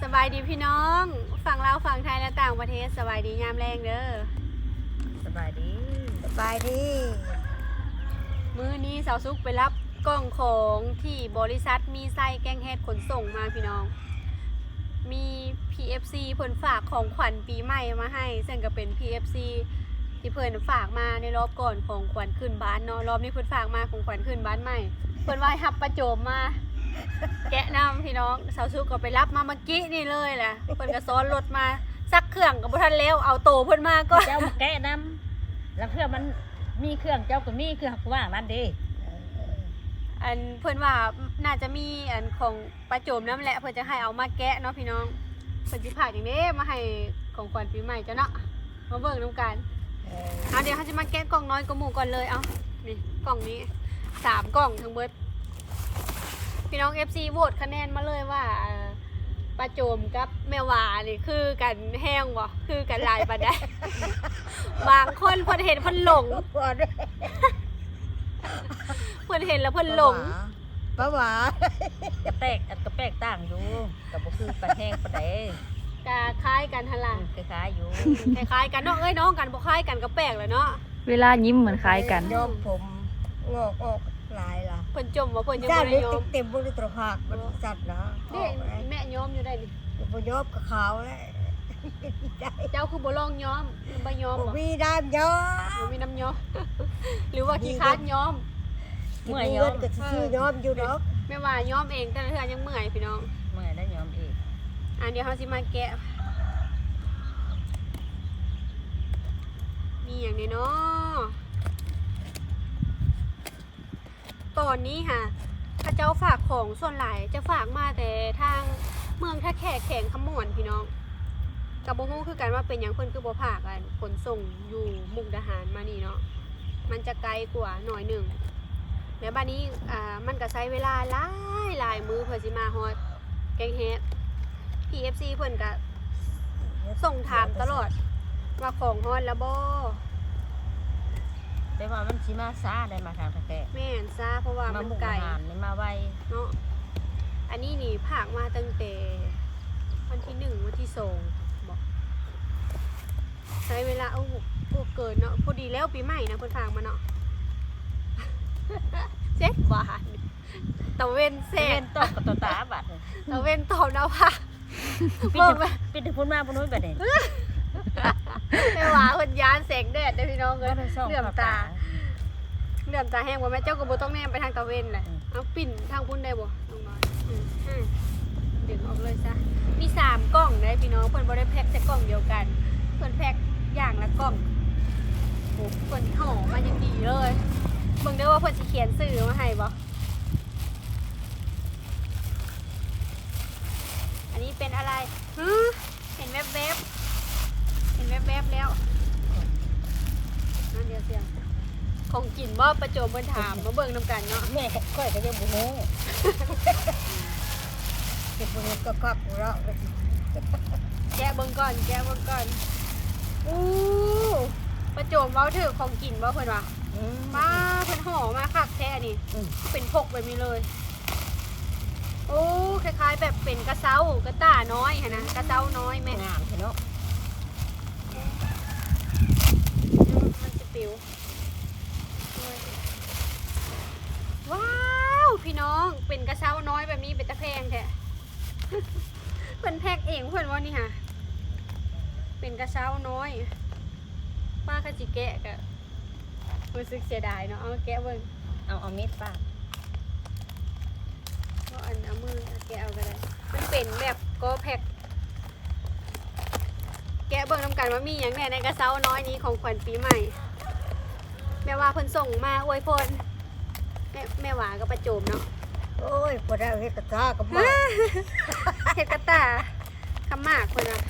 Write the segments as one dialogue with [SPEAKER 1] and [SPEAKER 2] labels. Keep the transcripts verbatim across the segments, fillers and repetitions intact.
[SPEAKER 1] สบายดีพี่น้องฝั่งลาวฝั่งไทยและต่างประเทศสบายดียามแรงเด้อ
[SPEAKER 2] สบายดี
[SPEAKER 3] สบายดี
[SPEAKER 1] มื้อนี้สาวซุกไปรับกล่องของที่บริษัทมีไส้แกงเฮ็ดขนส่งมาพี่น้องมี พี เอฟ ซี เพิ่นฝากของขวัญปีใหม่มาให้ซึ่งก็เป็น พี เอฟ ซี ที่เพิ่นฝากมาในรอบก่อนของขวัญขึ้นบ้านเนาะรอบนี้เพิ่นฝากมาของขวัญขึ้นบ้านใหม่เพิ่นว่าให้รับประโจมมาแกะน้ำพี่น้องสาวซุกก็ไปรับมาเมื่อกี้นี่เลยแหละเพิ่นก็ซ้อนรถมาซักเครื่องก็บ่ทันแล้วเอาโตเพิ่นมาก็
[SPEAKER 2] เจ้ามาแกะน้ำแล้วเพื่อมันมีเครื่องเจ้าก็มีเครื่องว่างนั่นดิ
[SPEAKER 1] อันเพิ่นว่าน่าจะมีอันของประโจมน้ำแหละเพิ่นจะให้เอามาแกะเนาะพี่น้องเพิ่นสิพากอย่างนี้มาให้ของขวัญปีใหม่จ้ะเนาะมาเบิ่งนำกันเอาเดี๋ยวเขาจะมาแกะกล่องน้อยกว่าหมู่ก่อนเลยเอานี่กล่องนี้สามกล่องทั้งเบิดพี่น้อง เอฟ ซี โหวตคะแนนมาเลยว่าเอ่อประโจมกับแม่วานี่คือกันแห้งบ่คือกันหลายปานใด บางคนเพิ่นเห็นเพิ่นหลงเพิ่นเห็นแล้วเพิ่นหลง
[SPEAKER 3] ป้าหวาก
[SPEAKER 2] ระแตกอันกระแปกต่างอยู่กับบ่คือปลาแห้งปลาแดง
[SPEAKER 1] กะคล้ายกันหั่นล่ะ
[SPEAKER 2] คล้ายๆอยู่
[SPEAKER 1] คล้ายๆกันเนาะเอ้ยน้องกันบ่คล้ายกันก็แปลกเลยเนาะ
[SPEAKER 4] เวลายิ้มเหมือนคล้ายกัน
[SPEAKER 3] ย้อมผมงอกออกลายล่ะ
[SPEAKER 1] เพิ่นจมว่าเพิ่นยัง
[SPEAKER 3] จ้า
[SPEAKER 1] บ่
[SPEAKER 3] เล็
[SPEAKER 1] ได้
[SPEAKER 3] ก
[SPEAKER 1] ยอม
[SPEAKER 3] เต็มบริตรหักมันสัตว์นะ
[SPEAKER 1] นี่แม่ยอมอยู่ได้นี่
[SPEAKER 3] พอยอบกับเขาแล้ว
[SPEAKER 1] เจ้าคือบ่ลองยอมหรือบ่ยอมบ่
[SPEAKER 3] มีด้ามย้อ
[SPEAKER 1] บ่มีน้ำยอม หรือว่าขี้คร้านยอม
[SPEAKER 2] เมื่อย
[SPEAKER 3] เงิ
[SPEAKER 2] ย้อม
[SPEAKER 3] นก็ซื้อย้อมอยู่ดอก
[SPEAKER 1] ไม่ว่ายอมเองแต่ละเทื่อยังเมื่อยพี่น้อง
[SPEAKER 2] เมื่อยได้ย้อมอีก
[SPEAKER 1] อ่ะเดี๋ยวเฮาสิมาแกะมีอย่างนี้เนาะตอนนี้ค่ะพระเจ้าฝากของส่วนหลายจะฝากมาแต่ทางเมืองท่าแขกแข่งขมวนพี่น้องกับบ่ฮู้คือกันว่าเป็นหยังเพิ่นคือบ่ฝากกันขนส่งอยู่มุกดาหารมานี่เนาะมันจะไกลกว่าหน่อยหนึ่งแล้วบัดนี้อ่ามันก็ใช้เวลาหลายหลายมื้อเพื่อสิมาฮอดแกงเฮ็ด พี เอฟ ซี เพิ่นก็ส่งถามตลอดว่าของฮอดแล้วบ่
[SPEAKER 2] แต่ว่ามันสิมาช้าได้มาทางตะแกะ
[SPEAKER 1] แม่นซะเพราะว่า
[SPEAKER 2] มา
[SPEAKER 1] มัน
[SPEAKER 2] มุก
[SPEAKER 1] ไกล
[SPEAKER 2] อาหารนี่มาไว
[SPEAKER 1] เนาะอันนี้นี่ผากมาตั้งแต่วันที่หนึ่งวันที่สองบอกใช้เวลาเอาพวกเกินเนาะพอดีแล้วปีใหม่นะเพิ่นผากมาเนาะ เจ็ดบาทตะเวนแซ
[SPEAKER 2] เส้
[SPEAKER 1] น
[SPEAKER 2] นตอกกับตัวตาบัด
[SPEAKER 1] ตะเวนตอบนะว่า
[SPEAKER 2] ปิด
[SPEAKER 1] บอกไป
[SPEAKER 2] ปิดถึงพุ่นมาพุ่นนู้นบัดนี้
[SPEAKER 1] ไม่ว่าเพิ่นยานแสงแดดได้อพี่น้องเอ้ย
[SPEAKER 2] ก็ได้ส่อง
[SPEAKER 1] เหลื่อม
[SPEAKER 2] เข้า
[SPEAKER 1] ตา
[SPEAKER 2] ตา
[SPEAKER 1] เหลื่อมตาแห้งบ่แม่เจ้าก็บ่ต้องแนมไปทางตะเวนแหละ
[SPEAKER 2] อืม
[SPEAKER 1] เอาปิ่นทางพุ่นได้บ่น้องน้อยอืมอืมดึงออกเลยซะมีสามกล่องได้พี่น้องเพิ่นบ่ได้แพ็คแต่กล่องเดียวกันเพิ่นแพ็คอย่างละกล่องโอ้เพิ่นห่อมาอย่างดีเลยเบิ่งได้ว่าเพิ่นสิเขียนชื่อมาให้บ่อันนี้เป็นอะไรฮึเห็นแวบๆเห็นแวบๆแล้วนั่นเดียวเสียงของกินบ่ประโจมเพิ่นถามมาเบิ่งนำกันเนาะ
[SPEAKER 2] แม่ค่อยก็ยังบ่ฮู้
[SPEAKER 3] เก็บเงินก็ควักเราะ
[SPEAKER 1] แกะเบิ่งก่อนแกะเบิ่งก่อนอู้ประโจมเว้าถือของกินบ่เพิ่นว่า
[SPEAKER 2] อืม
[SPEAKER 1] มาเพิ่นห่อมาคักแท้นี่
[SPEAKER 2] อืม
[SPEAKER 1] เป็นพกแบบนี้เลย โอ้คล้ายๆแบบเป็นกระเซ้ากระต่าน้อยหั่นนะกระเซ้าน้อยแม่
[SPEAKER 2] งามเนาะ
[SPEAKER 1] มันจะปิวว้าวพี่น้องเป็นกระเซ้าน้อยแบบนี้เป็นตะแพงแท้ เพิ่นแพ็กเองเพิ่นว่านี่ค่ะเป็นกระเซ้าน้อยป้าขจิแกะกะรู้สึกเสียดายเนาะเอามาแกะเบิ่ง
[SPEAKER 2] เอาเอามีดปาด
[SPEAKER 1] ก็อันเอามือแกะเอาก็ได้มันเป็นแบบก็แพ็กแกะเบิ่งนำกันว่ามีอย่างแน่ในกระเซ้าน้อยนี้ของขวัญปีใหม่แม่ว่าเพิ่นส่งมาอวยพรแม่แม่หวาก็ประโจมเนาะ
[SPEAKER 3] โอ้ยพอได้เฮ็ดกระทากับมา
[SPEAKER 1] เฮ็ดกระตาคำมากเพิ่นน่ะ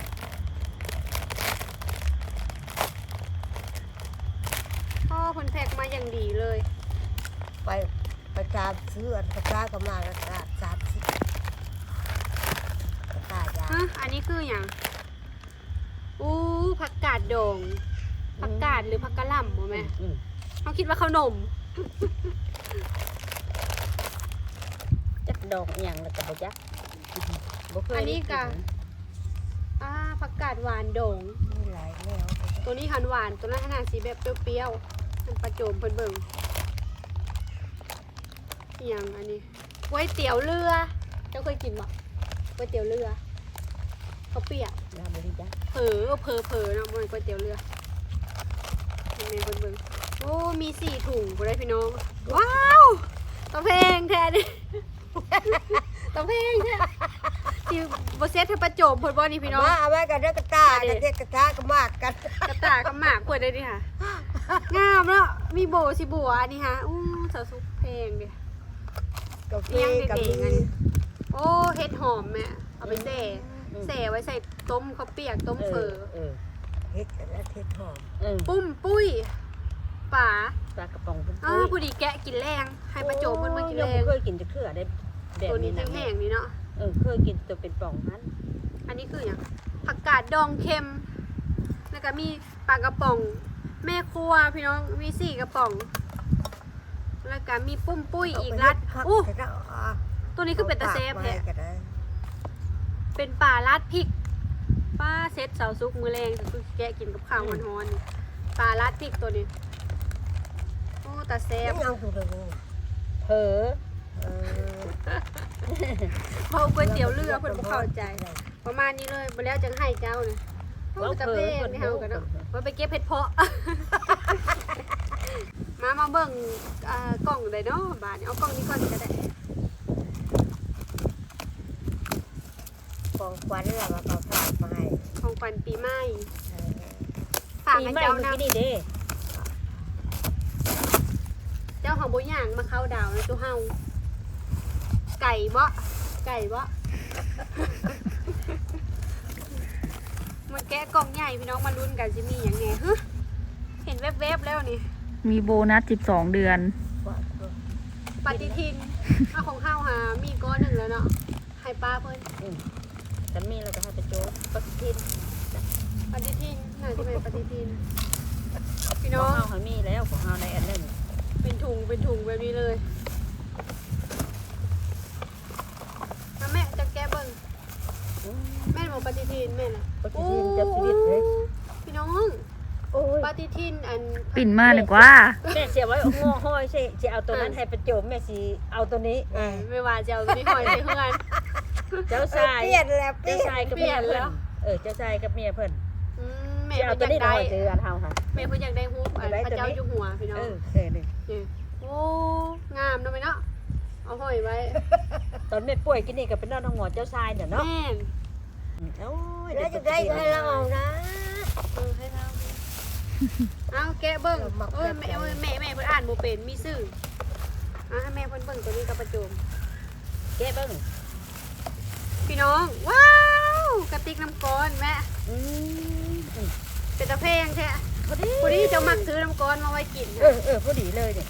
[SPEAKER 1] พ่อเพิ่นแพ็กมาอย่างดีเลย
[SPEAKER 3] ไปไปตามซื้ออันกระทากับมากระทาสามสิบกระทายา
[SPEAKER 1] ฮะอันนี้คืออย่างอู้ผักกาดโดงผักกาดหรือผักกะหล่ำบ่แม่
[SPEAKER 2] อืม
[SPEAKER 1] เขาคิดว่าขนม
[SPEAKER 2] จักดอกอหย่างแล้วก็บ่จักบ่เคย
[SPEAKER 1] อันนี้ก็
[SPEAKER 2] ได้
[SPEAKER 1] ผักกาดหวานโด่ง
[SPEAKER 3] มีหลายแนว
[SPEAKER 1] ตัวนี้หันหวานตัวนั้นขนาดสีแบบเปรี้ยวๆมันประโจมเพิ่นเบิ่งอหย่างอันนี้ก๋วยเตี๋ยวเรือเจ้าเคยกินบ่ก๋วยเตี๋ยวเรือเขาวเปียก
[SPEAKER 2] ลาบริจ้ะ
[SPEAKER 1] เผลอเผลอเผลอเนาะมันก๋วยเตี๋ยวเรือนี่เบิ่งเบิ่งโอ้มีสี่ถุงบ่ได้พี่น้องว้าวตะเพงแท้ดิ ตะเพงแท้ที่บ่เซ็ตให้ประโจมเพิ่นบ่นี่พี่น้อง
[SPEAKER 3] มาเอาไว้กันเด้อกระตากันเด็กกระตาก็มากกัน
[SPEAKER 1] กระตากระหมากเพิ่นได้ดิค่ะ งามเนาะมีโบสิบัวอันนี้ฮะอู้สาวสุกเพลงดิ
[SPEAKER 3] กาแฟ
[SPEAKER 1] เลี้ยง
[SPEAKER 3] กับ
[SPEAKER 1] เด็กๆอัน
[SPEAKER 3] มี
[SPEAKER 1] นี้โอ้เห็ดหอมแม่เอาไปแส่แส่ไว้ใส่ต้มข้าวเปียกต้มเฟอ
[SPEAKER 2] เออ
[SPEAKER 3] เฮ็ดและเฮ็ดหอม
[SPEAKER 2] เออ
[SPEAKER 1] ปุ้มปุ้ยป๋า
[SPEAKER 2] ปลากระป๋องปุ้ม
[SPEAKER 1] อ้า
[SPEAKER 2] ปุ้
[SPEAKER 1] วย ผู้ดีแกะกินแรงให้ประโจมมันมากินแร
[SPEAKER 2] ยัง
[SPEAKER 1] ง
[SPEAKER 2] บ่เคยกินจะเคือได้แบบ
[SPEAKER 1] ตัวนี้
[SPEAKER 2] นี้นะ
[SPEAKER 1] แห้งๆนี่เนาะ
[SPEAKER 2] เออเคยกินตัวเป็นป่องนั้น
[SPEAKER 1] อันนี้คืออย่างผักกาดดองเค็มแล้วก็มีปลากระป๋อง แม่ครัวพี่น้องมีสี่กระป๋อง แล้วก็มีปุ้มปุ้ยอีกรัด
[SPEAKER 3] อู้
[SPEAKER 1] อู้ตัวนี้คือเป็นตะเซฟแท้
[SPEAKER 3] ก็ได้
[SPEAKER 1] เป็นป่าลัดพริกป้าเซ็ตเสาซุกมือแรงแต่คือแกะกินกับข้าวฮอนๆป่าลัดพริกตัวนี้โอ้ตาแซ่บ
[SPEAKER 3] ยังถูกเลย
[SPEAKER 2] เผลอ
[SPEAKER 3] เออ
[SPEAKER 1] เพราะก๋วยเตี๋ยวเรือเพิ่นบ่เข้าใจ ประมาณนี้เลยบ่แล้วจังให้เจ้านะโอ้ตะเพงนี่เฮากันเนาะว่าไปเก็บเห็ดเพาะ มามาเบิ่งอ่ากล่องได้เนาะบาดนี้เอากล่องนี้ก่อนก็ได้
[SPEAKER 3] ของขวัญเราก็ฝากมาให้
[SPEAKER 1] ของขวัญปีใหม่
[SPEAKER 3] เออ
[SPEAKER 1] ฝาก
[SPEAKER 2] ปี
[SPEAKER 1] ให้
[SPEAKER 2] ใหม่
[SPEAKER 1] เจ้า
[SPEAKER 2] เมื่อ
[SPEAKER 1] นะ
[SPEAKER 2] กี้นี่เด้
[SPEAKER 1] เจ้าของบ่ย่างมาเข้าดาวนะตัวเฮาไก่บ่ไก่บ่ มาแกะกล่องใหญ่พี่น้องมาลุ้นกันสิมีหยังไงฮะเห็นแวบๆแล้วนี่
[SPEAKER 4] มีโบนัสสิบสองเดือน
[SPEAKER 3] ว่า
[SPEAKER 1] ปฏิทินเอาของเฮาหามีก้อนหนึ่งแล้วเนาะให้ป้าเพิ่น
[SPEAKER 2] แต่มีเราจะให้ประโจมปฏิทิน
[SPEAKER 1] ปฏิทินน่าจะเป็นปฏิทิน พี่
[SPEAKER 2] ข
[SPEAKER 1] น้
[SPEAKER 2] อ
[SPEAKER 1] องง
[SPEAKER 2] เฮาเขามีแล้วของเฮาในอันนั้น
[SPEAKER 1] เป็นถุงเป็นถุงแบบนี้เลยมาแม่จะแก้เบิ่งแม่นบอกปฏิทินแม่น่ะ
[SPEAKER 2] ปฏิทินจับชีวิตเลย
[SPEAKER 1] พี่น้อง
[SPEAKER 2] โอ้ย
[SPEAKER 1] ปฏิทินอัน
[SPEAKER 4] ปิ่นมาดีกว่า
[SPEAKER 2] แม่เสียไว้งอห้อยใช่จะเอาตัวนั้นให้ประโจมแม่สิเอาตัวนี้
[SPEAKER 3] เออ
[SPEAKER 1] ไม่ว่าจะเอาตัวนี้หอยใส่เพื่อน
[SPEAKER 2] เจ้าชาย
[SPEAKER 3] เปลี่ยนแล้วเปลี่
[SPEAKER 2] เจ้าย
[SPEAKER 3] น
[SPEAKER 2] ชายกับเมียเพิ่นเออเจ้าชายกับเมียเพิ่น
[SPEAKER 1] อืมแม่
[SPEAKER 2] จะเอา
[SPEAKER 1] เพิ่น
[SPEAKER 2] ตั
[SPEAKER 1] อ
[SPEAKER 2] วย
[SPEAKER 1] าก
[SPEAKER 2] นี้
[SPEAKER 1] ได้
[SPEAKER 2] หน่อยเจออันเฮาค่ะ
[SPEAKER 1] แม่เพิ่นอยากได้ฮูปอันพระเจ้าอยู่หัวพี่น้อง
[SPEAKER 2] เออเออนี่
[SPEAKER 1] นี่โอ้งามเนาะแม่เนาะเอาห้อยไว้
[SPEAKER 2] ตอนแม่ป่วยกินนี่ก็เป็นน้องน้องหมอเจ้าชายน่ะเนาะ
[SPEAKER 1] แม่น
[SPEAKER 2] โอ้ย
[SPEAKER 3] แล้วจะได้ให้เราเอานะ
[SPEAKER 1] เออให้เราเอาแกะเบิ่ง
[SPEAKER 3] เรามัก
[SPEAKER 1] เอ้ย
[SPEAKER 3] แบบ
[SPEAKER 1] แม่เอ้ยแม่แม่เพิ่นอ่านบ่เป็นมีซื่ออ่ะให้แม่เพิ่นเบิ่งตัวนี้กับประโจม
[SPEAKER 2] แก้เบิ่ง
[SPEAKER 1] พี่น้องว้าวกระติกน้ำก้อนแม่
[SPEAKER 2] อืม
[SPEAKER 1] เป็นตะเพงแท้
[SPEAKER 2] พอดี
[SPEAKER 1] พอดีเจ้ามักซื้อน้ำก้อนมาไว้กิน
[SPEAKER 2] เออเออพอดีเลยเนี่ย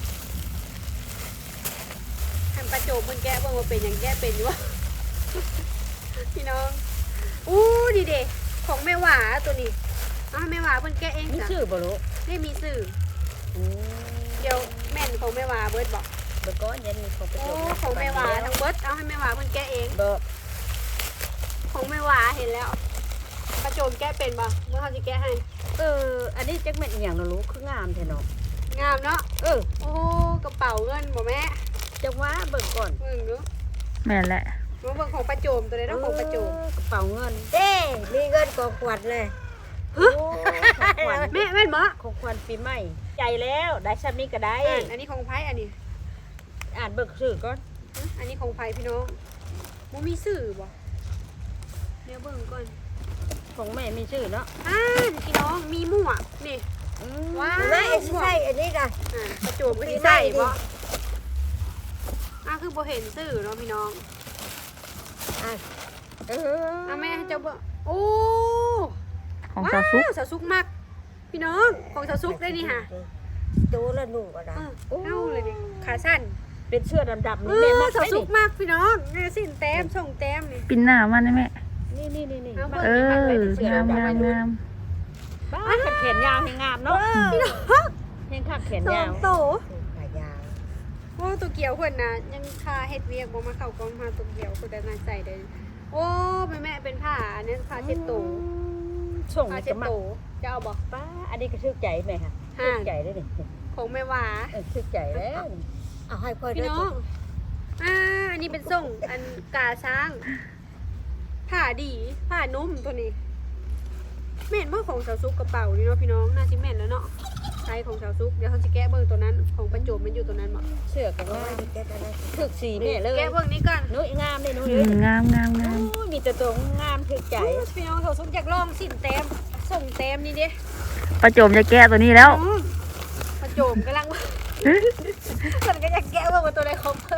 [SPEAKER 1] ให้ประโจมเพิ่นแกะเบิ่งว่าเป็นหยังแกะเป็นอยู่วะ พี่น้องอู้ดีเด้ของแม่หวาตัวนี้เอาให้แม่หวาเพิ่นแกะเอง
[SPEAKER 2] มี
[SPEAKER 1] จ้ะ
[SPEAKER 2] ชื่อบ่รู้
[SPEAKER 1] ไม่มีสื่อ
[SPEAKER 2] อืม
[SPEAKER 1] เดี๋ยวแม่นของแม่หวาเบิดบอก
[SPEAKER 2] เดี๋ยวก่อนเย็นของประ
[SPEAKER 1] โอ้
[SPEAKER 2] โจมนะ
[SPEAKER 1] ของแม่หวาทั้งเบิดเอาให้แม่หวาเพิ่นแกะเอง
[SPEAKER 2] บ่
[SPEAKER 1] ของแม่หวาเห็นแล้วประโจมแกะเป็นบ่เมื่อเขาจะแกะให้
[SPEAKER 2] เอออันนี้จักแม่นอีหยังเนาะรู้คืองามแท้เนาะ
[SPEAKER 1] งามเนาะ
[SPEAKER 2] เออ
[SPEAKER 1] โอ้กระเป๋าเงินบ่แม่
[SPEAKER 2] จังว่าเบิ่งก่อน
[SPEAKER 1] เบิ่งดู
[SPEAKER 4] แม่นแหละ
[SPEAKER 1] มาเบิ่งของประโจมตัวนี้ต้องของประโจม
[SPEAKER 2] เออกระเป๋าเงิน
[SPEAKER 3] เด้มีเงินของขวัญเลย
[SPEAKER 2] โอ้ของขวัญ
[SPEAKER 1] แม่แม่นบ่
[SPEAKER 2] ของขวัญปีใหม่ใจแล้วได้ซ้ำนี้ก็ได้
[SPEAKER 1] อ่านอันนี้ของไผอันนี้
[SPEAKER 2] อ่านเบิ่งชื่อก่อน
[SPEAKER 1] หึอันนี้ของไผพี่น้องบ่มีสื่อบ่เดี๋ยวเบิ่งก่อน
[SPEAKER 2] ของแม่มีชื่อเนาะ
[SPEAKER 1] อ่านพี่น้องมีหมวกนี่
[SPEAKER 2] อืม
[SPEAKER 1] ว้าว
[SPEAKER 3] ไม่ใช่อันนี้นะ
[SPEAKER 1] อ่าประโจมก็สิใส่บ่อ่ะคือบ่เห็นสื่อเนาะพี่น้อง
[SPEAKER 3] อ่ะ
[SPEAKER 2] เออ
[SPEAKER 1] อ่ะแม่ให้เจ้าเบิ่งโอ้
[SPEAKER 4] ของสาวซุก
[SPEAKER 1] ว้าวสาวซุกมากพี่น้องของสาวซุกได้นี่ค่ะ
[SPEAKER 3] ตัวละหนุ่มก็ได้
[SPEAKER 1] เออเอาเลยนี่ขาสั้น
[SPEAKER 2] เป็นเสื้อดำๆ
[SPEAKER 1] เอ
[SPEAKER 2] นี่แม่
[SPEAKER 1] อ
[SPEAKER 2] มัก
[SPEAKER 1] สาว
[SPEAKER 2] ได้
[SPEAKER 1] ซุ
[SPEAKER 2] นี่
[SPEAKER 1] กมากพี่น้องนี่สิ้นแต้มส่งแต้มนี่
[SPEAKER 4] ปิ่นหน้ามันนะแม่
[SPEAKER 2] นี่นี่นี่นี่
[SPEAKER 1] เอา
[SPEAKER 2] มัก
[SPEAKER 4] เอ
[SPEAKER 2] มัก
[SPEAKER 4] อ
[SPEAKER 2] ไปเป็นเสื้อง
[SPEAKER 4] าม
[SPEAKER 2] ดำ
[SPEAKER 4] งามงาม
[SPEAKER 2] บ้าแขนยาวให้งามเนาะ
[SPEAKER 1] พี่น้อง
[SPEAKER 2] เพียงคักแขน
[SPEAKER 1] สอย
[SPEAKER 2] าง ว
[SPEAKER 1] โต
[SPEAKER 3] ขายาว
[SPEAKER 1] โอ้ตัวเกี่ยวคนน่ะยังคาเฮ็ดเวียกบ่มาเข้ากองมาตัวเกี่ยวคนแต่น่าใจได้โอ้แม่แม่เป็นผ้าอันนั้นผ้าเช็ดตัว
[SPEAKER 2] ส่ง
[SPEAKER 1] ผ้า
[SPEAKER 2] นี่
[SPEAKER 1] เช็
[SPEAKER 2] ก็
[SPEAKER 1] ด
[SPEAKER 2] มัก
[SPEAKER 1] โตจะเอาบ่
[SPEAKER 2] ป้าอันนี้ก็ทึกใจไหมค่ะ
[SPEAKER 1] ห่า
[SPEAKER 2] ทึกใจได้ดิ
[SPEAKER 1] ของแม่หวา
[SPEAKER 2] เออทึกใจแล้ว
[SPEAKER 3] เอาให้ค่อย
[SPEAKER 1] พี่
[SPEAKER 3] ได้
[SPEAKER 1] น้องอ่าอันนี้เป็นส่งอันกาช้างผ้าดีผ้านุ่มตัวนี้แม่นบ่ของสาวซุกกระเป๋านี่เนาะพี่น้องน่าสิแม่นแล้วเนาะใช้ของสาวซุกเดี๋ยวเขาสิแกะเบิ่งตัวนั้นของประโจมมันอยู่ตัวนั้นบ่
[SPEAKER 2] เชื่อกัน
[SPEAKER 3] เอา
[SPEAKER 2] ว่า
[SPEAKER 3] ให้แกได้
[SPEAKER 2] ทึกสีแม่เลย
[SPEAKER 1] แกะเบิ่งนี้ก่อน
[SPEAKER 2] นุ้ยงามเลยนุ้ย
[SPEAKER 4] อื
[SPEAKER 2] เอ้ย
[SPEAKER 4] มงามงามงาม
[SPEAKER 2] โอ้ยมีแต่ตัวงามทึกใจ
[SPEAKER 1] พี่น้องสาวซุกอยากลองสินเต็มส่งเต็มนี่เด้
[SPEAKER 4] ประโจมจะแก้ตัวนี้แล้ว
[SPEAKER 1] อืมประโจมกำลังว่ามันก็อยากแกะเบิ่งว่าตัวใดของเพิ่น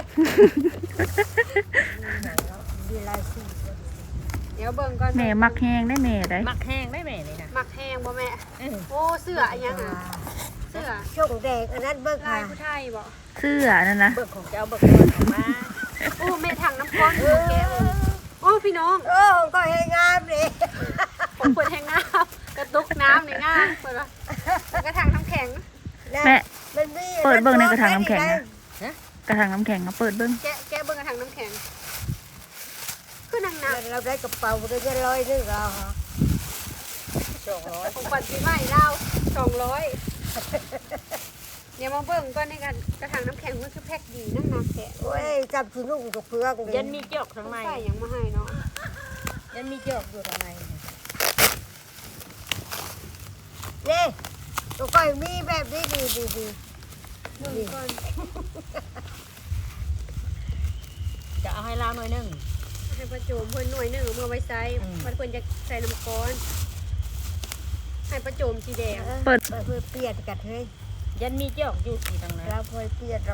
[SPEAKER 3] มีลายสี
[SPEAKER 1] เดี๋ยวเบิ่งก่อน
[SPEAKER 4] แม่มักแห้งได้แม่ได้
[SPEAKER 2] มักแห้งได้แม่นี่นะ
[SPEAKER 1] มักแห้งบ่แม่
[SPEAKER 2] เออ
[SPEAKER 1] โอ้เสื้ออันยังอ่ะเสื้อ
[SPEAKER 3] ช่วงแดงอันนั้นเบิก
[SPEAKER 1] ลา
[SPEAKER 3] ค่ะ
[SPEAKER 1] ยผู้ไทยบ่
[SPEAKER 4] เสื้อนั่นนะ
[SPEAKER 2] เบิกของเจ้าเบิกของออกมา
[SPEAKER 1] โอ้แม่ถังน้ำก้อนของแกเบิ่งโอ้พี่น้อง
[SPEAKER 3] โอ้ก็ให้งามเลย
[SPEAKER 1] ผมเปิดแห้งน้ำกระตุกน้ำในง่ายเปิดว่าแล้วกระถางน้ำแข็ง
[SPEAKER 4] แม่
[SPEAKER 3] มันมี
[SPEAKER 4] เปิดเบิ่งในกระถางน้ำแข็งนะ กระถางน้ำแข็งเอาเปิดเบิ้ง
[SPEAKER 1] แกะแกะเบิ่งกระถางน้ำแข็งคือนางน้
[SPEAKER 3] เราได้กระเป๋าได้เงินร้อยนึงเรา
[SPEAKER 2] สองร้อย
[SPEAKER 1] ำของปันปีใหม่เราสองร้อยเดี๋ยวมาเบิ่งก่อนในกันกระถางน้ำแข็งมันคือแพ็คดีนั่งนักแกะ
[SPEAKER 3] โอ้ยจับชุนุ่งกับเพื่อน
[SPEAKER 2] ยันมีจอกข้างใน
[SPEAKER 1] ใส่หยังมาให้เนาะ
[SPEAKER 2] ยันมีจอกอยู่ข้างใน
[SPEAKER 3] นี่ตัวก้อยมีแบบนี้ดีดีดี
[SPEAKER 1] เบิ่งก่อน
[SPEAKER 2] จะเอาให้ลาวหน่อยหนึง
[SPEAKER 1] ให้ประโจมเพิ่นหน่วยหนึ่งเอามื่อไว้ใส่
[SPEAKER 2] อืม
[SPEAKER 1] มันเพิ่นจะใส่น้ำก้อนให้ประโจมสีแดง
[SPEAKER 3] เปิดเพื่อเปลี่ยนกันเฮ้ย
[SPEAKER 2] ยันมีจอกอยู่ที่ตรงนั้น
[SPEAKER 3] เราเพื่อเปลี่ยนเรา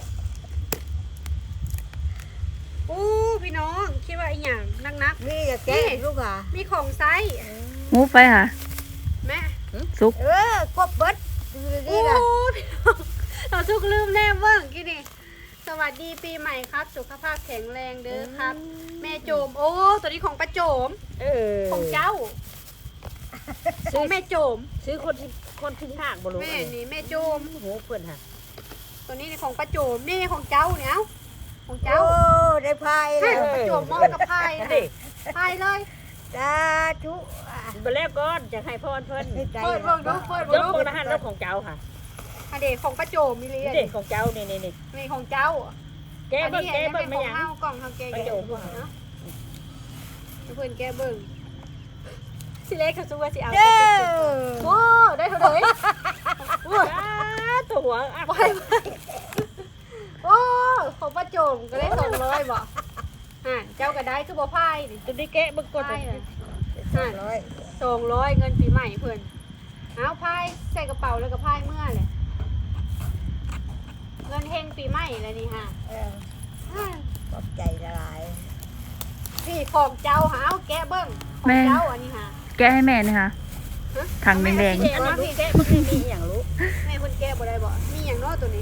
[SPEAKER 1] อู้พี่น้องคิดว่าไอ้หยังนักนัก
[SPEAKER 3] นี่อย่าแก้ลูกอ่ะ
[SPEAKER 1] ๆมีของไซส์
[SPEAKER 4] มูฟไปค่ะ
[SPEAKER 1] แม่
[SPEAKER 4] ซุก
[SPEAKER 3] เออกบเบิดดู
[SPEAKER 1] โอ้
[SPEAKER 3] นี่นะ
[SPEAKER 1] พี่น้องเราทุกลืมแน่เบิ่งกี่นี่สวัสดีปีใหม่ครับ สุขภาพแข็งแรงเด้อครับ แม่โจม โอ้ตัวนี้ของป้าโจม
[SPEAKER 2] เออ
[SPEAKER 1] ของเจ้าของแม่โจม
[SPEAKER 2] ซื้อคนที่คนที่หากบ่รู้
[SPEAKER 1] แม่นี่แม่โจม
[SPEAKER 2] โอ้โหเพิ่นฮะ
[SPEAKER 1] ตัวนี้นี่ของป้าโจมนี่ของเจ้าเนี่ยเอาของ
[SPEAKER 3] โอ้
[SPEAKER 1] เจ้า
[SPEAKER 3] ได้พาย
[SPEAKER 1] ให้
[SPEAKER 3] แล้ว
[SPEAKER 1] ประโจมมอบกับไพ่
[SPEAKER 2] นั่น
[SPEAKER 1] นะ
[SPEAKER 2] ดิ
[SPEAKER 1] ไพ่เลย
[SPEAKER 3] สาธุ
[SPEAKER 2] บ่แล้วก่อนจะให้พรเพิ่น
[SPEAKER 3] ให้ใจ
[SPEAKER 1] เปิดเบิ่งดูเปิด
[SPEAKER 2] ย
[SPEAKER 1] เบิ่ง
[SPEAKER 2] ก
[SPEAKER 1] ดู
[SPEAKER 2] มือนะฮะแล้วของเจ้าค่ะ
[SPEAKER 1] อันเด็กของป้าโจมมีเลย
[SPEAKER 2] นี่เด็กของเจ้านี่นี่นี่
[SPEAKER 1] นี่ของเจ้า
[SPEAKER 2] แกเบิ่งแกเบิ่ง
[SPEAKER 1] อัน
[SPEAKER 2] ไม่
[SPEAKER 1] นี้
[SPEAKER 2] หยัง
[SPEAKER 1] ของเฮากล่องเฮาแก
[SPEAKER 2] ป้าโจม
[SPEAKER 1] เนาะเพื่อนแกเบิ่งสิเล็กเขาสู้ว่าสิเอา
[SPEAKER 3] เจ้า
[SPEAKER 1] โอ้ได้เท่าไหร่โอ้ย
[SPEAKER 2] อ้าตัวหัวอ่ะ
[SPEAKER 1] ไปไปโอ้ของป้าโจมก็ได้สองร้อยบ่อ่าเจ้าก็ได้คือบ่พายนี่
[SPEAKER 2] ตัวนี้แกะเบิ่งก่อน
[SPEAKER 1] พายเลย
[SPEAKER 3] สองร้อย
[SPEAKER 1] สองร้อยเงินปีใหม่เพื่อนเอาพายใส่กระเป๋าแล้วก็พายเมื่อเลยเงินเฮงปีใหม่เลยนี่ฮะ
[SPEAKER 3] เออ
[SPEAKER 1] อ่า
[SPEAKER 3] ขอบใจละลาย
[SPEAKER 1] นี่ของเจ้าหาเอาแกะเบิ้งของเจ้าอันนี้ฮะ
[SPEAKER 4] แก้ให้แม่นี่ค่ะ
[SPEAKER 1] ฮะ
[SPEAKER 4] ถังแดง
[SPEAKER 2] อันนี้ลูกแกะมันไม่มีอย่างรู้
[SPEAKER 1] แม่คนแกะบ่ได้บ่มีอย่างน้อยตัวนี้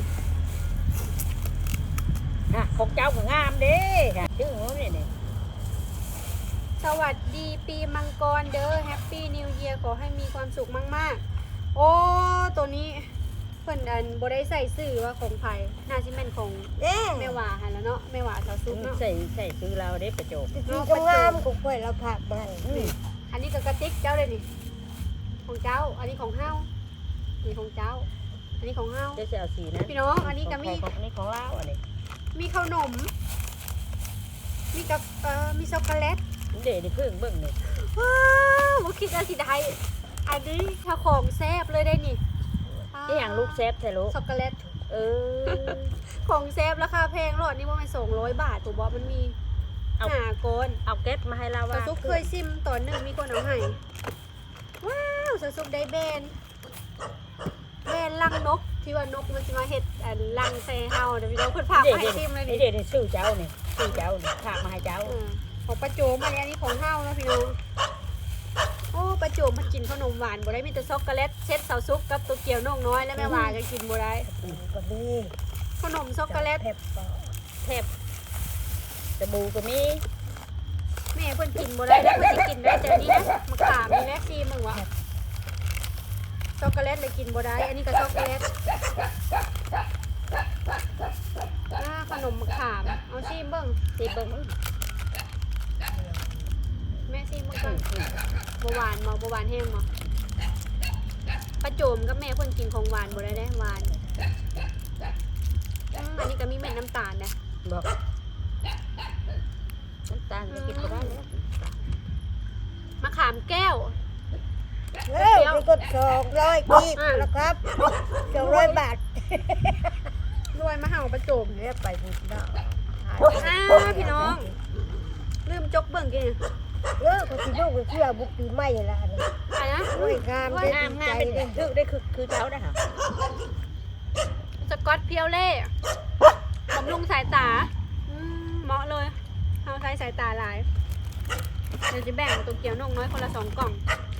[SPEAKER 2] อ่ะของเจ้าก็งามเด้ค่ะชื่อของนี่นี่
[SPEAKER 1] สวัสดีปีมังกรเด้อแฮปปี้นิวเยียร์ขอให้มีความสุขมากๆ โอ้ตัวนี้เพิ่นอันบ่ได้ใส่ชื่อว่าของไผน่าสิแม่นของ
[SPEAKER 3] เด้
[SPEAKER 1] แม่หวาหั่นแล้วเนาะแม่หวาสาวซุกเนาะ
[SPEAKER 2] ใส่ใส่ซื้อเราได้ประโจบ
[SPEAKER 3] ที่งามๆของค่อยเราผักมัน
[SPEAKER 1] อันนี้ก็กระติกเจ้าเลยนี่ของเจ้า อันนี้ของเฮานี่ของเจ้า อันนี้ของเฮา
[SPEAKER 2] เจ้าจะเอาสีนะ
[SPEAKER 1] พี่น้องอันนี้ก็มี
[SPEAKER 2] ของอันนี้ของเราอันนี้
[SPEAKER 1] มีขนม มีกับเอ่อมีช็อกโกแลต
[SPEAKER 2] เดี๋ยวนี่เพิ่งเบิ่งนี่
[SPEAKER 1] ว้าวบ่คิดว่าสิได้อันนี้ถ้าของแซ่บเลยได้นี่
[SPEAKER 2] นี่อย่างลูกแซฟแท้ลูก
[SPEAKER 1] ช็อกโกแลต
[SPEAKER 2] เออ
[SPEAKER 1] ของแซ่บราคาแพงหลอดนี่ว่ามันสองร้อยบาทตัวบอสมันมี
[SPEAKER 2] เอา
[SPEAKER 1] หาโกน
[SPEAKER 2] เอาแก๊สมาให้เรา
[SPEAKER 1] สา
[SPEAKER 2] ว่า
[SPEAKER 1] ซุปเคยซิมตอนหนึ่งมีคนเอาให้ว้าวสาซุปได้แบรนด์แบรนด์ลังนกที่ว่านกมันจะมาเห็ดอันลังใส่เฮาเดี๋ยวพี่น้องเพิ่นพา
[SPEAKER 2] เดี๋ยว
[SPEAKER 1] มาให้ซิมเลย
[SPEAKER 2] นี่
[SPEAKER 1] นี่
[SPEAKER 2] เดี๋ยวนี่ซื้อเจ้านี่ซื้อเจ้านี่ฝากมาให้เจ้า
[SPEAKER 1] เออของประโจมอันนี้อันนี้ของเฮานะพี่น้องโอ้ประโจมมันกินขนมหวานบ่ได้มีแต่ช็อกโกแลตเช็ดเสาซุปกับตัวเกียวน้องน้อยแล้วแม่ว่าก็กินบ่ได้
[SPEAKER 3] ก็มี
[SPEAKER 1] ขนมช็อกโกแลต
[SPEAKER 3] เผ็ด
[SPEAKER 2] แทบสบู่ก็มี
[SPEAKER 1] แม่เพิ่นกินบ่ได้แล้วเพิ่นสิกินได้แต่อันนี้นะมะขามนี่แม่ซีมึงวะช็อกโกแลตเลยกินบ่ได้ อันนี้ก็ช็อกโกแลตอ่าขนมมะขามเอาซีมเบิ่ง
[SPEAKER 2] สิเบิ่งมึง
[SPEAKER 1] แม่ซีมเบิ่งก่อนบ่หวานบ่บ่หวานแห้งบ่ป้าโจมกับแม่เพิ่นกินของหวานบ่ได้ได้หวานอืมอันนี้ก็มีเม็ดน้ำตาลนะ
[SPEAKER 2] บอกน้ำตาลจะกินก็ได้แล้ว
[SPEAKER 1] มะขามแก้ว
[SPEAKER 3] เฮ้ยไปกดสองร้อยกีบนะครับสองร้อยบาท
[SPEAKER 1] รวยมาเห่าป้าโจม
[SPEAKER 3] เนี่ยไปบุญเนาะ
[SPEAKER 1] อ้าพี่น้อง ลืมจกเบิ่งกิน
[SPEAKER 3] เออก็สิลูกไปเชื่อบุกปีใหม่ละนี่
[SPEAKER 1] อะไรนะ
[SPEAKER 3] โอ้ยงามได้
[SPEAKER 2] งาม
[SPEAKER 3] ดี
[SPEAKER 2] งา
[SPEAKER 3] ใจ
[SPEAKER 2] มเป็น
[SPEAKER 3] เลย
[SPEAKER 2] คือได้คือคือเขาได้ค่ะ
[SPEAKER 1] สกอตเพียวเล่บำรุงสายตาอืมเหมาะเลยเอาใช้สายตาหลายเดี๋ยวจะแบ่งตัวเกี๊ยวนงน้อยคนละสองกล่อง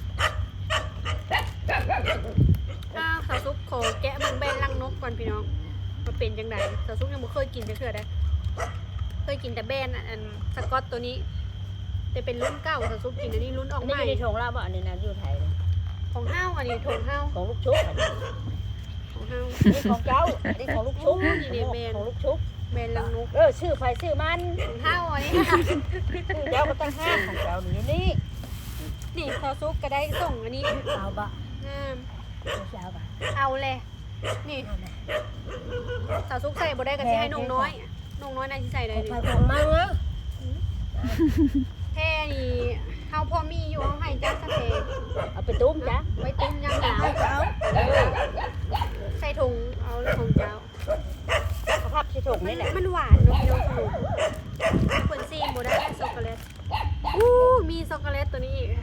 [SPEAKER 1] ข้าวสาวซุปโขแกะเบิ่งแบนลังนกก่อนพี่น้องมาเป็นจังไดสาวซุปยังไม่เคยกินจะเถื่อได้เคยกินแต่แบนอันอันสกอตตัวนี้แต่เป็นรุ่นเก่าสาวซุปกินอันนี้รุ่นอ
[SPEAKER 2] อั
[SPEAKER 1] อน ก
[SPEAKER 2] นี้
[SPEAKER 1] ใหม่
[SPEAKER 2] อยู่ในถุงเราบ่อันนี้นะอยู่ไทย
[SPEAKER 1] ของห้าวอันนี้ถงห้าว
[SPEAKER 2] ของลูกชุบอันนี้
[SPEAKER 1] ของห้าว
[SPEAKER 2] นี่ของเจ้าอันนี้ของลูกชุบของลูกชุบ
[SPEAKER 1] แบนลังนก
[SPEAKER 2] เออชื่อไฟชื่อมัน
[SPEAKER 1] ของห้าวอันนี้
[SPEAKER 2] ชื่อเจ้าก็ตั้งห้าของเจ้านี่นี่
[SPEAKER 1] นี่ซอซุปก็ได้ส่งอันนี้
[SPEAKER 3] เอาบะ
[SPEAKER 1] งาม
[SPEAKER 3] เอาบะ
[SPEAKER 1] เอาเลยนี่ซอซุปใส่บ่ได้ก็สิให้นงน้อยนงน้อยน่าสิใส่ได้
[SPEAKER 3] ไป
[SPEAKER 1] ดิ
[SPEAKER 3] ของมันนะ
[SPEAKER 1] แค่นี่เฮาพอมีอยู่เฮาให้จ้าสะเพ
[SPEAKER 2] เอาไปตุ้มจ้ะ
[SPEAKER 1] ไว้ตุ้มยามหนาว
[SPEAKER 3] ให้เขา
[SPEAKER 1] ใส่ถุงเอาของเจ้า
[SPEAKER 2] สภาพที่ถุงนี่แหละ
[SPEAKER 1] มันหวานเนาะพี่น้องขนมเพิ่นซีมบ่ได้ช็อกโกแลตอู้มีช็อกโกแลตตัวนี้อีก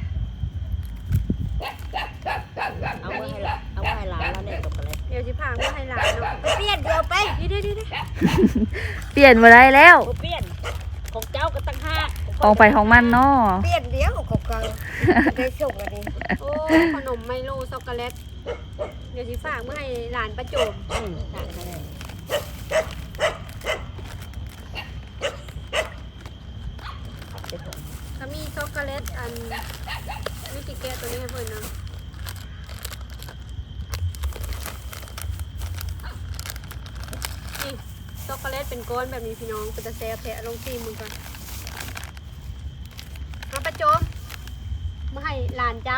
[SPEAKER 2] เอาไว้ให้ละเอาไว้ให้หลานแล้วเนี่ยตกอะไร
[SPEAKER 1] เดี๋ยวสิพามาให้หลานเนาะ
[SPEAKER 3] เปลี่ยนเดียวไป
[SPEAKER 1] เดี๋ยวๆๆ
[SPEAKER 4] เปลี่ยนมาได้แล้ว
[SPEAKER 2] โอเปี้ยนของเจ้าก็ตั้งห้า
[SPEAKER 4] ของไปของมันเนาะ
[SPEAKER 3] เปลี่ยนเดียวของกังได้ส่งอันนี้
[SPEAKER 1] ๆโอ้ขนมไมโลช็อกโกแลตเดี๋ยวสิฝากมาให้หลานประโจม
[SPEAKER 2] อืมได้ได้ได้
[SPEAKER 1] เขามีช็อกโกแลตอันนี่กี่แก้วตัวนี้ให้เพื่อนนะนี่ช็อกโกแลตเป็นก้อนแบบนี้พี่น้องเป็นตะแซ่แผลลงซีมือก่อนมาประโจมมาให้หลานเจ้า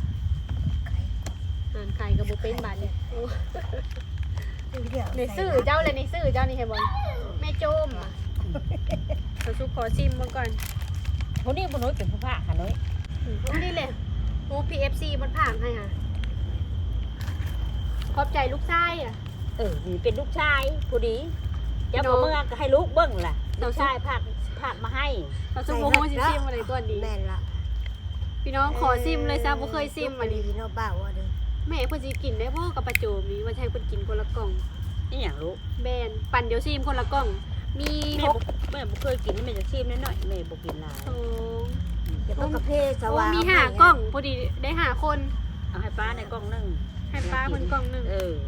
[SPEAKER 1] หลานไข่กับบุเป็นบาทเนี่ยโอ้
[SPEAKER 3] เดียว
[SPEAKER 1] ในซื่อเจ้าเลยในซื่อเจ้านี่เห็นบ่แม่โจมอ่ะเขาชุกขอซิมมาก่อน
[SPEAKER 2] คนนี้บุญน้อยเป็นผู้ภาคค่ะน้อย
[SPEAKER 1] อืมนี่เลยโอ้ พี เอฟ ซี มันผ่านให้ค่ะขอบใจลูกชายอ่ะ
[SPEAKER 2] เออนี่เป็นลูกชายผู้ดีเจ้าของเมืองก็ให้ลูกเบิ้งล่ะลูกชายภาคภาคมาให้
[SPEAKER 1] เขาซุปโมโหซิซิมอะไรตัวนี้
[SPEAKER 3] แม่นละ
[SPEAKER 1] พี่น้องขอซิมเลยซะบ่เคยซิมอันนี้
[SPEAKER 3] พี่น้องบ้าว่าดิ
[SPEAKER 1] แม่เพิ่นสิกินได้บ่กับประโจมนี้ว่าจะให้เพิ่นกินคนละกล่อง
[SPEAKER 2] นี่อย่างลูก
[SPEAKER 1] แบนปั่นเดี๋ยวซิมคนละกล่อง มี
[SPEAKER 2] แม่
[SPEAKER 1] หก
[SPEAKER 2] บ่แม่บ่เคยกินแม่จะชิมนิดหน่อยแม่บ่กินหลาย
[SPEAKER 1] สอง
[SPEAKER 3] อย่าไปกระเพาะส
[SPEAKER 1] โอ้
[SPEAKER 3] ว่าง
[SPEAKER 1] มีห้ากล่องพอดีได้ห้าคน
[SPEAKER 2] เอาให้ป้าในกล่องหนึง
[SPEAKER 1] ให้ป้าเพิ่นกล่องหนึง
[SPEAKER 2] เออ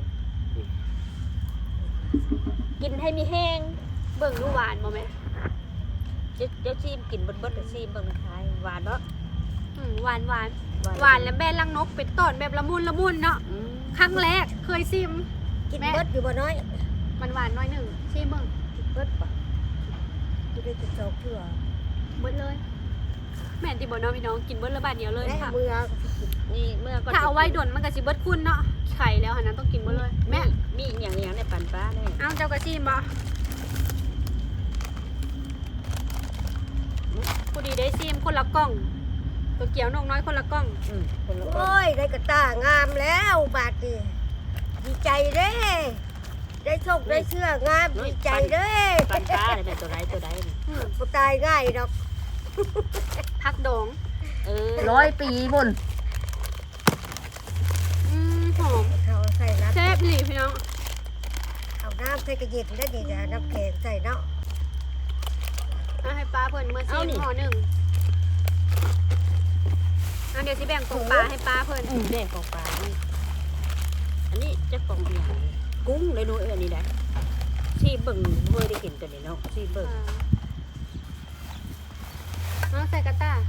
[SPEAKER 2] กินให้มีแห้ง
[SPEAKER 1] เบิ่งดูหวานบ่แม่
[SPEAKER 2] เจ้าเจ้าชิมกินเบิดเบิดแต่ชิมเบิ่งมันคล้ายหวานเนาะ
[SPEAKER 1] อืมหวานหวานหวานแล้วแบนลังนกเป็นต้นแบบละมุนละมุนเนาะ
[SPEAKER 2] อืม
[SPEAKER 1] ครั้งแรกเคยซิม
[SPEAKER 3] กินเบิดอยู่บ่น้อย
[SPEAKER 1] มันหวานน้อยหนึ่งชิมเบิ่ง
[SPEAKER 3] กินเบิดปะอยู่ได้จะสองเทื่อ
[SPEAKER 1] เบิดเลย แม่นติบ่เนาะพี่น้องกินเบิดละบาทเดียวเลย
[SPEAKER 3] แม่
[SPEAKER 1] ค่ะ
[SPEAKER 3] มือ
[SPEAKER 2] นี่เมื่อก่อน
[SPEAKER 1] ถ้าเอาไว้ดนมันก็สิเบิดคุณเนาะไข่แล้วหันนั้นต้องกินเบิดเลยแม่
[SPEAKER 2] มีอีกอย่างอย่างในปันป้าเนี่ย
[SPEAKER 1] เอาเจ้ากระชิมบ่ผู้ดีได้ซิมคนละกล่องตัวเกี๊ยวนกน้อยคนละกล่อง
[SPEAKER 2] อืมคนละกล่อง
[SPEAKER 3] โอ้ยได้กระตางามแล้วบาดนี่ดีใจเด้ได้โชคได้เชื่องามดีใจเด้
[SPEAKER 2] ปันป้าเนี่ยเป็นตัวไรตัวใดนี่
[SPEAKER 1] อืม
[SPEAKER 3] บ่ตายง่ายดอก
[SPEAKER 1] พักดอง
[SPEAKER 2] เออ
[SPEAKER 4] ร้อยปีบุญ
[SPEAKER 1] อืมหอม
[SPEAKER 3] เขาใส่น้ำ
[SPEAKER 1] แซ่บอีหลีพี่น้อง
[SPEAKER 3] เอาน้ำใส่กระเย็นได้ดีนะน้ำแข็งใส่เนาะ
[SPEAKER 1] เอาให้ป้าเพิ่นมาชิมห่อหนึ่งเอาเดี๋ยวสิแบ่งกล่องปลาให้ป้าเพิ่น
[SPEAKER 2] อืมแดงของปลานี่อันนี้จะกล่องอย่างกุ้งเลยหนูเอ้ยอันนี้ได้ชีเบิ่งเมื่อได้กินตัวนี้เนาะชีเบิ่ง
[SPEAKER 1] อ่าเอาใส่กระต้า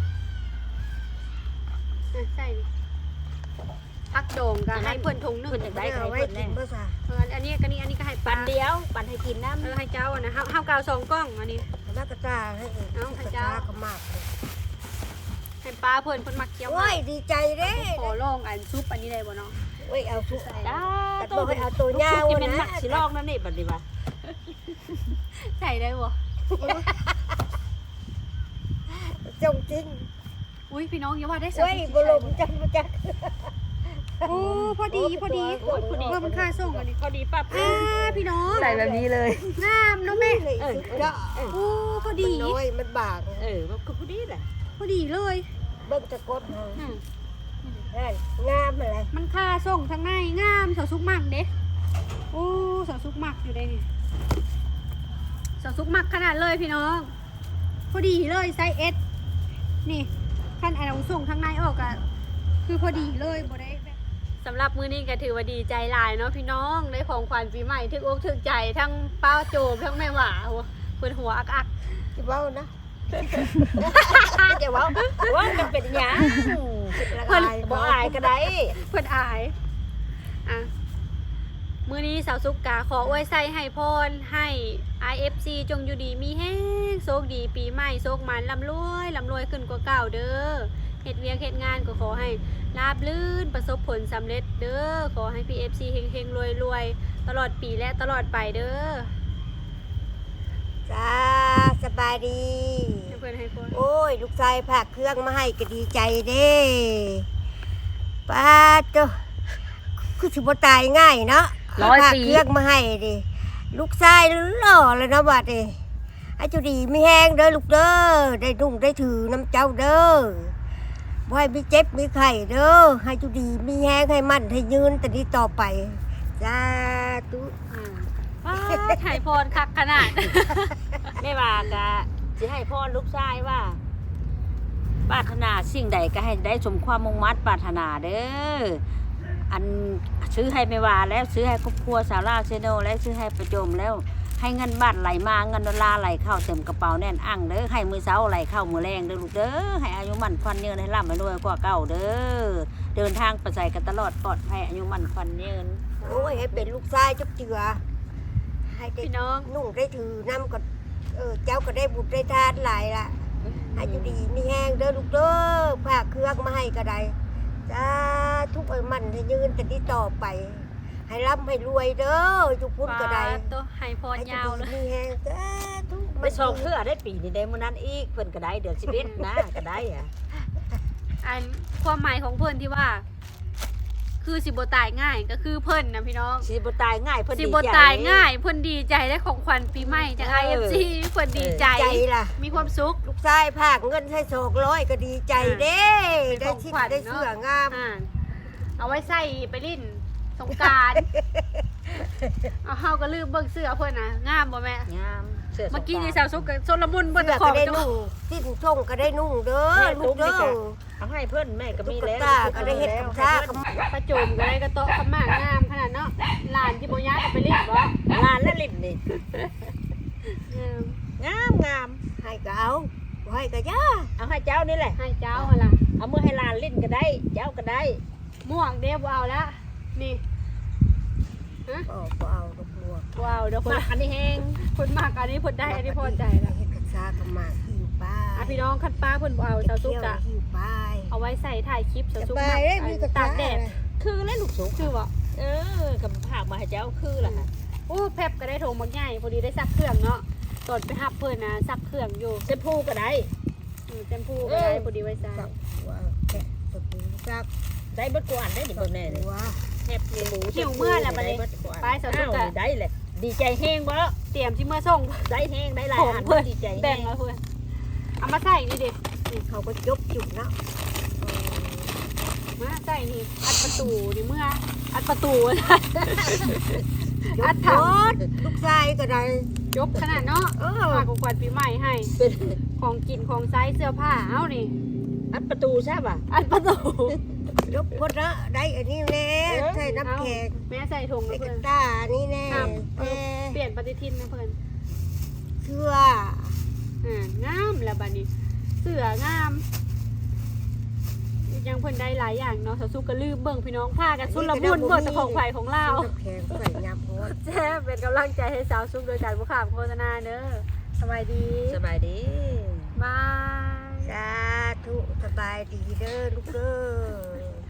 [SPEAKER 1] อ่ะใส่นี่พักโด่งก็ให้เพิ่นถุงหนึ่ง
[SPEAKER 2] เพิ่นอยากได้ใคร
[SPEAKER 3] เอาไว้
[SPEAKER 2] เพิ่น
[SPEAKER 3] กิ
[SPEAKER 2] แน่
[SPEAKER 3] นภาษา
[SPEAKER 1] เอออันนี้ก็นี่อันนี้ก็ให้
[SPEAKER 2] ปั
[SPEAKER 1] ป้าน
[SPEAKER 2] เดียวปันให้กินน้ำ
[SPEAKER 1] เออให้เจ้าอ่ะนะเฮาเฮากาวสองกล้องอันนี้
[SPEAKER 3] น้ำกระตาให้
[SPEAKER 1] เอา
[SPEAKER 3] ก
[SPEAKER 1] ให้
[SPEAKER 3] ระ
[SPEAKER 1] เจ้า
[SPEAKER 3] ตาก็มากเลย
[SPEAKER 1] ให้ป้าเพิ่นเพิ่นมักเคี้ยว
[SPEAKER 3] โอ้ยดีใจเด้
[SPEAKER 1] ขอลองอันซุปอันนี้ได้บ่เนาะ
[SPEAKER 3] โอ้ยเอาทุก
[SPEAKER 2] จ้า
[SPEAKER 3] แต่บ่ให้เอาตัวยาว
[SPEAKER 2] จะเป็น
[SPEAKER 3] นะ
[SPEAKER 2] มักสิลอกนั่นนี่บัดนี้ว่า
[SPEAKER 1] ใส่ได้บ่
[SPEAKER 3] จงจริง
[SPEAKER 1] อุ้ยพี่น้องอย่าว่าได้สั
[SPEAKER 3] โอ้ยบ่ลมจังบ่จัก
[SPEAKER 1] โอ้พอดีพอดี
[SPEAKER 3] โอ้ยพอดี
[SPEAKER 1] เพิ่มมันค่าส่งอันนี้
[SPEAKER 2] พอดีปั๊บ
[SPEAKER 1] อ่าพี่น้อง
[SPEAKER 4] ใส่แบบนี้เลย
[SPEAKER 1] งามเนาะแม่
[SPEAKER 3] เลยสุดยอด
[SPEAKER 1] โอ้พอดี
[SPEAKER 3] มันน้อยมันบาง
[SPEAKER 2] เออมันก็พอดีแหละ
[SPEAKER 1] พอดีเลย
[SPEAKER 3] เบิ่งตะกดเฮา
[SPEAKER 1] อืม
[SPEAKER 3] นั่นงามอะไร
[SPEAKER 1] มันค่าส่งทางในงามเสาซุกมักเด้โอ้เสาซุกมักอยู่ได้นี่เสาซุกมักขนาดเลยพี่น้องพอดีเลยไซส์เอสนี่ขั้นอันเอาส่งทางในออกอะคือพอดีเลยบ่ได้สำหรับมื้อนี้ก็ถือว่าดีใจหลายเนาะพี่น้องได้ของขวัญปีใหม่ถึกอกถึกใจทั้งป้าโจมทั้งแม่หว่าโอ้เพิ่นหัวอักอัก
[SPEAKER 3] สิเว้านะ
[SPEAKER 2] จะเว้าว่ามันเป็นหยัง
[SPEAKER 3] ละ
[SPEAKER 2] เพิ่น
[SPEAKER 3] ลาย
[SPEAKER 2] บ่อายก็ได้
[SPEAKER 1] เพิ่นอายอ่ะมื้อนี้สาวสุกกาขออวยไส้ให้พรให้ ไอ เอฟ ซี จงอยู่ดีมีแฮงโชคดีปีใหม่โชคมันร่ำรวยร่ำรวยขึ้นกว่าเก่าเด้อเฮ็ดเวียกเฮ็ดงานก็ขอให้ราบรื่นประสบผลสำเร็จเด้อขอให้ พี เอฟ ซี เฮงๆรวยๆตลอดปีและตลอดไปเด้อ
[SPEAKER 3] จ้าสบายดี
[SPEAKER 1] ให้เพิ่นให้พร
[SPEAKER 3] โอ้ย ลูกชายพากเครื่องมาให้ก็ดีใจเด้ป้าเจ้าคือสิบ่ตายง่ายเนาะ
[SPEAKER 4] ร้อยปี
[SPEAKER 3] พากเครื่องมาให้ดิลูกชายหล่อเลยนะบัดนี้ให้เจ้าดีมีแห้งเด้อลูกเด้อได้นุ่งได้ถือน้ำเจ้าเด้อบ่ให้มีเจ็บมีไข้เด้อให้เจ้าดีมีแห้งให้มั่นให้ยืนแต่นี้ต่อไปจ้าตุ
[SPEAKER 1] อ่าว้าให้พรคักขนาด
[SPEAKER 2] แม่ว่าก็สิให้พ่อลูกชายว่าปรารถนาสิ่งใดก็ให้ได้สมความมุ่งมั่นปรารถนาเด้ออันซื้อให้แม่ว่าแล้วซื้อให้ครอบครัวสาวลาวเซโนแล้วซื้อให้ประโจมแล้วให้เงินบาทไหลมาเงินดอลลาร์ไหลเข้าเต็มกระเป๋าแน่นอั่งเด้อให้มือเช้าไหลเข้ามือแรงเด้อลูกเด้อให้อายุมั่นควันยืนให้ร่ำให้รวยกว่าเก่าเด้อเดินทางไปใส่กันตลอดปลอดภัยอายุมั่นควันยืน
[SPEAKER 3] โอ้ยให้เป็นลูกชายจักเจือให้ได้
[SPEAKER 1] พี่น้อง
[SPEAKER 3] นุ่งได้ถือน้ำก็เออเจ้าก็ได้บุญได้ทานหลายละให้อยู่ดีมีแห้งเด้อลูกเด้อพาเครื่องมาให้ก็ได้จ้าทุกเอ้ยมันให้ยืนแต่ที่ต่อไป ให้ร่ำให้รวยเด้อจุกพุ่นก็ได้
[SPEAKER 1] ฟ้าตัวให้พร
[SPEAKER 3] ให้อยู่
[SPEAKER 1] ยาวเล
[SPEAKER 3] ดี
[SPEAKER 1] ย
[SPEAKER 3] มีแห้งจ้าทุก
[SPEAKER 2] ไปส่งเพื่อได้ปีนี้ได้มื้อนั้นอีกเพิ่นก็ได้เดือนสิบเอ็ดนะก็ได้อะ
[SPEAKER 1] อันความหมายของเพิ่นที่ว่า คือสิบตายง่ายก็คือเพิ่นนะพี่น้อง
[SPEAKER 2] สิบ่ตายง่ายเพิ่น
[SPEAKER 1] สิ
[SPEAKER 2] ดี
[SPEAKER 1] บ
[SPEAKER 2] ใจ
[SPEAKER 1] ตายง่ายเพิ่นดีใจได้ของขวัญปีใหม่จาก
[SPEAKER 2] เอ
[SPEAKER 1] ไอ
[SPEAKER 2] อ
[SPEAKER 1] เอฟซีเพิ่นดีใจ
[SPEAKER 3] ใจล่ะ
[SPEAKER 1] มีความสุข
[SPEAKER 3] ลูกชายพากเงินให้โศกร้อยก็ดีใจเด้
[SPEAKER 1] เป็น
[SPEAKER 3] ได้
[SPEAKER 1] ของ
[SPEAKER 3] ชิ้น
[SPEAKER 1] ขวัญ
[SPEAKER 3] ได้
[SPEAKER 1] เนอะ
[SPEAKER 3] เสื้องาม
[SPEAKER 1] อ่าเอาไว้ใส่ไปลิ้นสงกรารเอาเฮาก็ลืมเบิ่งเสื้อเพิ่นน่ะงามบ่แม่
[SPEAKER 2] งามเสื้อสง
[SPEAKER 1] เมื่อกี้นี่
[SPEAKER 2] ก
[SPEAKER 1] สาร
[SPEAKER 2] าว
[SPEAKER 1] สุกกับโซลมุนเบิ่ง
[SPEAKER 3] เสื้อ
[SPEAKER 1] ขอ
[SPEAKER 3] ก็
[SPEAKER 1] ง
[SPEAKER 3] ได้
[SPEAKER 1] จัง
[SPEAKER 3] นุ่งสิ้นช่งก็ได้นุ่งเด้อ
[SPEAKER 2] แม่
[SPEAKER 3] ลูกเด้
[SPEAKER 2] ตุ๊กนี่
[SPEAKER 3] อ
[SPEAKER 2] ก็ เอาให้เพิ่นแม่ก็มี
[SPEAKER 3] ตุ๊ก
[SPEAKER 2] แล้ว
[SPEAKER 3] ตาก็ได้เฮ็ดกับชากับ
[SPEAKER 1] ประโจมก็ได้กระโตะขมากงามขนาดเนาะหลานที่บ่ยากก็ไปลิ้นบ่
[SPEAKER 2] ลานและลิ้นนี่
[SPEAKER 1] อืม
[SPEAKER 2] งามงาม
[SPEAKER 3] ให้ก็เอาบ่ให้ก็ย่า
[SPEAKER 2] เอาให้เจ้านี่แหละ
[SPEAKER 1] ให้เจ้าหั่นล่ะ
[SPEAKER 2] เอามือให้ลานลิ้นก็ได้ เจ้าก็ได้
[SPEAKER 1] ม่วงเด้บ่เอาละนี่ฮะ
[SPEAKER 3] บ่บ่เอาดอกบัว
[SPEAKER 1] บ่เอาเดี๋ยวเพิ่น
[SPEAKER 2] มาอันนี้แห้ง
[SPEAKER 1] เพิ่นมากอันนี้เพิ่นได้อันนี้พอใจแล้ว
[SPEAKER 3] เฮ็ดกับชากับหมากหิวป้า
[SPEAKER 1] อ่ะพี่น้องคันป้าเพิ่นบ่เอาสาวสุกอะ
[SPEAKER 3] หิวป้าย
[SPEAKER 1] เอาไว้ใส่ถ่ายคลิปสาวสุก
[SPEAKER 3] ไป
[SPEAKER 1] มัก
[SPEAKER 3] ได้มีกระ
[SPEAKER 1] ตากแดด
[SPEAKER 2] คือแล้วลูกสุก
[SPEAKER 1] คือบ่
[SPEAKER 2] เออกับผากมาให้เจ้าคือล่ะค่ะ
[SPEAKER 1] โอ้แพบก็ได้โถมักใหญ่พอดีได้ซักเครื่องเนาะตอนไปหับเพิ่นน่ะซักเครื่องอยู่
[SPEAKER 2] เซพูก็ได้
[SPEAKER 1] อืมเต็มพูก็ได้พอดีไว้ใส่
[SPEAKER 3] สับว่าแกะตะปูสัก
[SPEAKER 2] ได้เบิดกวนได้ดิเบิ่งแน่นี่
[SPEAKER 3] ว่า
[SPEAKER 2] แฮปปี้หมู
[SPEAKER 1] หิวเมื่อแล้วบัดนี้ ไปสาวสุกอะ
[SPEAKER 2] อ้าวได้แหละดีใจแห้งบ่
[SPEAKER 1] เตรียมสิเมื่อส่ง
[SPEAKER 2] ได้แห้งได้หลาย
[SPEAKER 1] ผม
[SPEAKER 2] อัน
[SPEAKER 1] เพิ่น
[SPEAKER 2] ดีใจ
[SPEAKER 1] แบ่
[SPEAKER 2] แห้
[SPEAKER 1] ง
[SPEAKER 2] ง
[SPEAKER 1] เอาเพื่อนเอามาใส่นี่ดิ
[SPEAKER 3] นี่เขาก็ยกจุดเนาะ
[SPEAKER 1] มาใส่นี่อัดประตูนี่เมื่ออัดประตู
[SPEAKER 3] ย
[SPEAKER 1] อั
[SPEAKER 3] ก
[SPEAKER 1] ด
[SPEAKER 3] โค
[SPEAKER 1] ถัง
[SPEAKER 3] ตรลูกชายก็ได้
[SPEAKER 1] ยกขนาดเนาะ
[SPEAKER 3] เออ
[SPEAKER 1] ฝากของขวัญปีใหม่ให้
[SPEAKER 2] เป็น
[SPEAKER 1] ของกินของใช้เสื้อผ้าเอานี่
[SPEAKER 2] อัดประตูใช่ป่ะ
[SPEAKER 1] อัดประตู
[SPEAKER 3] ยกพดละได้อันนี้แน่ใส่น้ำแข็ง
[SPEAKER 1] แม่ใส่ถุง
[SPEAKER 3] ใส่
[SPEAKER 1] นะ
[SPEAKER 3] ก
[SPEAKER 1] เพื่
[SPEAKER 3] ระ
[SPEAKER 1] อน
[SPEAKER 3] ตานี่แน่
[SPEAKER 1] ครับเอ
[SPEAKER 3] แน่
[SPEAKER 1] อเปลี่ยนปฏิทินนะเพื่อน
[SPEAKER 3] เชื่อ
[SPEAKER 1] อ่างามแล้วบัดนี้ เสื้องามยังเพิ่นได้หลายอย่างเนาะสาวสุกก็ลืมเบิ่งพี่น้องผ้ากันสุดละมุนเบิ่งแต่ของไผ่ของเราว
[SPEAKER 3] น้ำแข็งใส่ยำโพด
[SPEAKER 1] แจ้เป็นกำลังใจให้สาวสุกโดยการบุคามโฆษณาเด้อสบายดี
[SPEAKER 2] สบายดี
[SPEAKER 1] บาย
[SPEAKER 3] สาธุบายดีเด้อลูกเด้อ